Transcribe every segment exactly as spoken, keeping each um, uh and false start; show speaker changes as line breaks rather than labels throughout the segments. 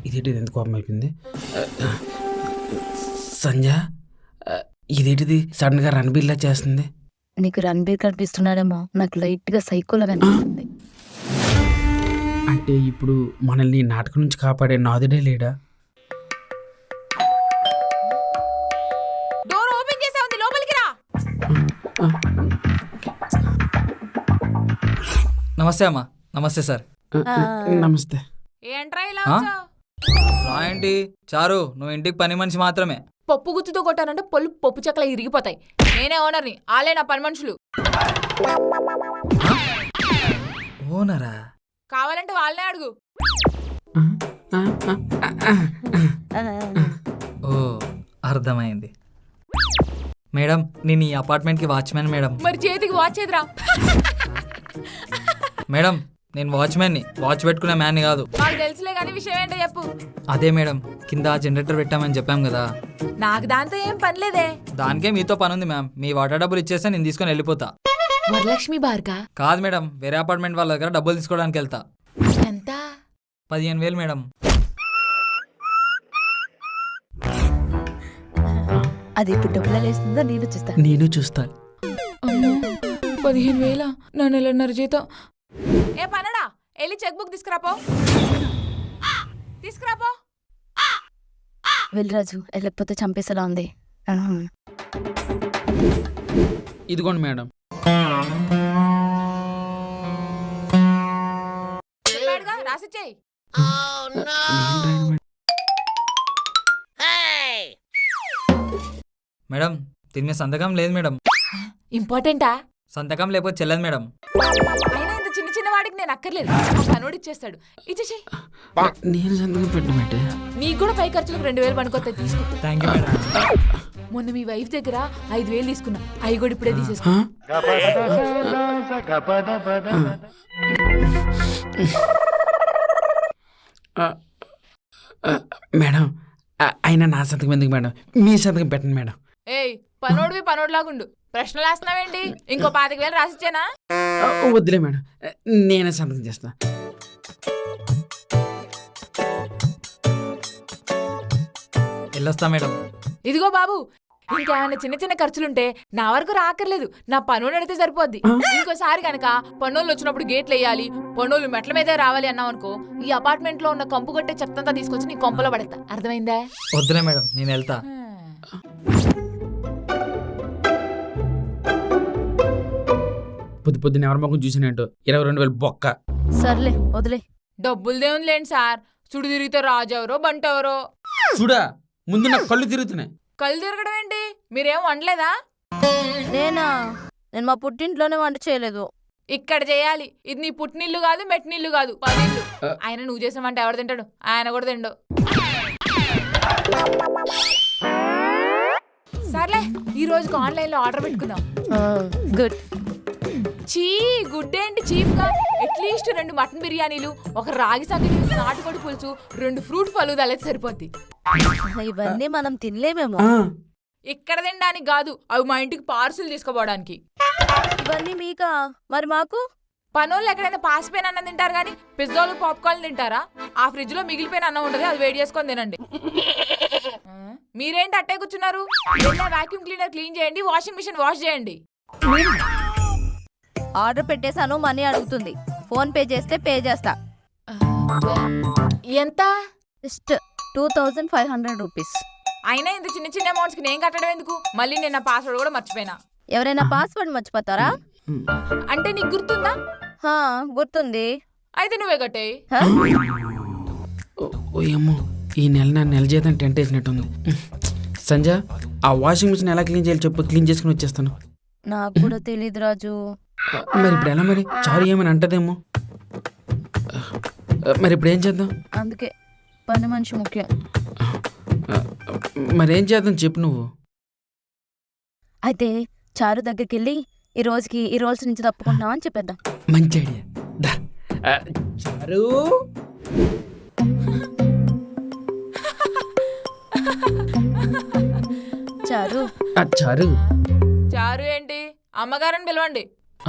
ఇదేంటి ఎంత కోపం అయిపోయింది. సంజ ఇదేంటిది సడన్గా రణబీర్లా చేస్తుంది.
నీకు రణబీర్ కనిపిస్తున్నాడేమో, నాకు లైట్ గా సైకోలా కనిపిస్తుంది.
అంటే ఇప్పుడు మనల్ని నాటకం నుంచి కాపాడే నాదుడే లేడా?
డోర్ ఓపెన్ చేసా ఉంది, లోపలికి రా.
నమస్తే అమ్మా. నమస్తే సార్.
నమస్తే.
ఏంట్రా ఇలా
ఆ?
వచ్చావ్?
రా ఏంటి చారు, నువ్వు ఇంటికి పని మనిషి మాత్రమే.
పప్పు గుత్తుతో కొట్టానంటే పళ్ళు పప్పు చెక్కల ఇరిగిపోతాయి. నేనే ఓనర్ని, ఆలే నా పని మనుషులు.
ఓనరా?
కావాలంటే వాళ్ళనే అడుగు.
ఓ అర్థమైంది మేడం. నేను ఈ అపార్ట్మెంట్కి వాచ్మెన్ మేడం.
మరి చేతికి వాచ్ ఏదిరా?
మేడం నేను వాచ్మెన్ని, వాచ్ పెట్టుకునే మ్యాన్ని కాదు.
నాకు తెలుసులే కానీ విషయం ఏంటో చెప్పు.
అదే మేడం, కింద జనరేటర్ పెట్టామని చెప్పాం కదా.
నాకు దాంతో ఏం పనిలేదే.
దానికే మీతో పని ఉంది మ్యామ్. మీ వాటర్ డబ్బులు ఇచ్చేస్తే నేను తీసుకొని వెళ్ళిపోతా.
వరలక్ష్మి బార్గా?
కాదు మేడం, వేరే అపార్ట్మెంట్ వాళ్ళ దగ్గర డబ్బులు తీసుకోవడానికి వెళ్తా.
ఎంత?
పదిహేను వేలు మేడం.
అది ఇప్పుడు డబ్బులు వేస్తుందో నేను చూస్తా.
నేను చూస్తా.
పదిహేను వేల నా నెలన్నర జీతం. ఏ పనడా, వెళ్ళి చెక్ బుక్ తీసుకురాపో. తీసుకురాపో.
వెళ్ళరాజు, వెళ్ళకపోతే చంపేసేలా ఉంది.
ఇదిగోండి మేడం.
చెప్పాడుగా, రాసిచ్చేయి.
మేడం దీని మీద సంతకం లేదు మేడం.
ఇంపార్టెంటా?
సంతకం లేకపోతే చెల్లదు మేడం.
అయినా ఇంత చిన్న చిన్న వాడికి నేను అక్కర్లేదు, పనోడు ఇచ్చేస్తాడు. ఇచ్చేసి
నేను సంతకం పెట్టమంటే
నీకు కూడా పై ఖర్చులకు రెండు వేలు పనుకొస్తాయి, తీసుకో.
Thank you madam.
మొన్న మీ వైఫ్ దగ్గర ఐదు వేలు తీసుకున్నా, అవి కూడా ఇప్పుడే తీసేసుకో.
మేడం అయినా నా సంతకం ఎందుకు మేడం, మీ సంతకం పెట్టండి మేడం.
ఏయ్ పనోడివి పనోడిలాగుండు, ప్రశ్నలు వేస్తున్నావేంటి? ఇంకో పాతిక వేలు రాసిచ్చానా?
వద్దులే మేడం, నేనే సంతకం చేస్తా.
వెళ్ళొస్తా మేడం.
ఇదిగో బాబు, ఇంకేమైనా చిన్న చిన్న ఖర్చులుంటే నా వరకు రాకర్లేదు, నా పనోడు అడిగితే సరిపోద్ది. ఇంకోసారి కనుక పనోళ్ళు వచ్చినప్పుడు గేట్లు వేయాలి, పనోళ్ళు మెట్ల మీదే రావాలి అన్నావు అనుకో, ఈ అపార్ట్మెంట్ లో ఉన్న కంపు కొట్టే చెత్తంతా తీసుకొచ్చి నీ కొంపలో పడతా. అర్థమైందా?
వద్దులే మేడం, నేను వెళ్తా.
పొద్దు పొద్దున్న ఎవరి మొక్కం చూసినట్టు ఇరవై రెండు వేలు బొక్క.
సర్లే వదిలే.
డబ్బులు దేవుని లేండి సార్, చుడు తిరిగితే రాజు ఎవరో బంట ఎవరో.
చూడా ముందు నాకు కళ్ళు తిరుగుతున్నాయి.
కళ్ళు తిరగడం ఏంటి? మీరేం వండలేదా?
నేనా? నేను మా పుట్టింట్లోనే వంట చేయలేదు.
ఇక్కడ చేయాలి. ఇది నీ పుట్టినిల్లు కాదు, మెట్టినిల్లు కాదు, పదిల్లు. ఆయన నువ్వు చేసిన వంట ఎవరు తింటాడు? ఆయన కూడా తిండు. సర్లే, ఈ రోజుకి ఆన్లైన్ లో ఆర్డర్ పెట్టుకుందాం.
గుడ్.
చీ గుడ్ ఏంటి చీప్ గా? అట్లీస్ట్ రెండు మటన్ బిర్యానీలు, ఒక రాగి సంగటి, నాటుకోడి పులుసు, రెండు ఫ్రూట్ ఫలూదాలు అయితే సరిపోద్ది.
ఇవన్నీ మనం తినలేమేమో.
ఇక్కడ తినడానికి కాదు, అవి మా ఇంటికి పార్సులు తీసుకోపోవడానికి.
ఇవన్నీ మీకా? మరి మాకు?
పనోళ్ళు ఎక్కడైనా పాసిపోయిన అన్నం తింటారు కానీ పిజ్జాలు పాప్కార్న్ తింటారా? ఆ ఫ్రిడ్జ్ లో మిగిలిపోయిన అన్నం ఉంటుంది, అది వేడి చేసుకొని తినండి. మీరేంటి అట్టే కూర్చున్నారు? వాక్యూమ్ క్లీనర్ క్లీన్ చేయండి, వాషింగ్ మిషన్ వాష్ చేయండి.
ఆర్డర్ పెట్టేశాను, మనీ అడుగుతుంది. ఫోన్ పే చేస్తే పే చేస్తా.
ఎంత?
Just two thousand five hundred rupees.
అయినా ఇంత చిన్న చిన్న అమౌంట్స్ కి నేను కట్టడం ఎందుకు? మళ్ళీ నేను నా పాస్వర్డ్ కూడా మర్చిపోయినా.
ఎవరైనా పాస్వర్డ్ మర్చిపోతారా?
అంటే నీకు గుర్తుందా?
హా గుర్తుంది.
అయితే నువ్వే కట్టేయి.
ఓయమ్మో, ఈ నెల నా నెల జీతం టెంట్ వేసినట్టుంది. సంజ, ఆ వాషింగ్ మిషన్ ఎలా క్లీన్ చేయాలి చెప్పు, క్లీన్ చేసుకుని వచ్చేస్తాను.
నాకు కూడా తెలియదు రాజు.
మరి ఇప్పుడు ఎలా? మరి చారు ఏమని అంటదేమో. మరి ఇప్పుడు ఏం చేద్దాం?
అందుకే పని మనిషి ముఖ్యం.
మరేం చేద్దాం చెప్పు నువ్వు.
అయితే చారు దగ్గరికి వెళ్ళి ఈ రోజుకి ఈ రోజు నుంచి తప్పుకుంటున్నాం అని చెప్పేద్దాం.
మంచి ఐడియా. దా చారు.
చారు
చారు
చారు ఏంటి? అమ్మగారని పిలవండి.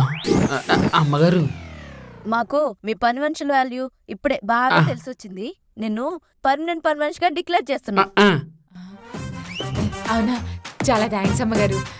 అమ్మగారు,
మాకు మీ పని మనుషుల వాల్యూ ఇప్పుడే బాగా తెలిసి వచ్చింది. నిన్ను పర్మనెంట్ పర్మనెంట్ గా డిక్లేర్ చేస్తున్నా.
ఆ,
అవునా, చాలా థ్యాంక్స్ అమ్మగారు.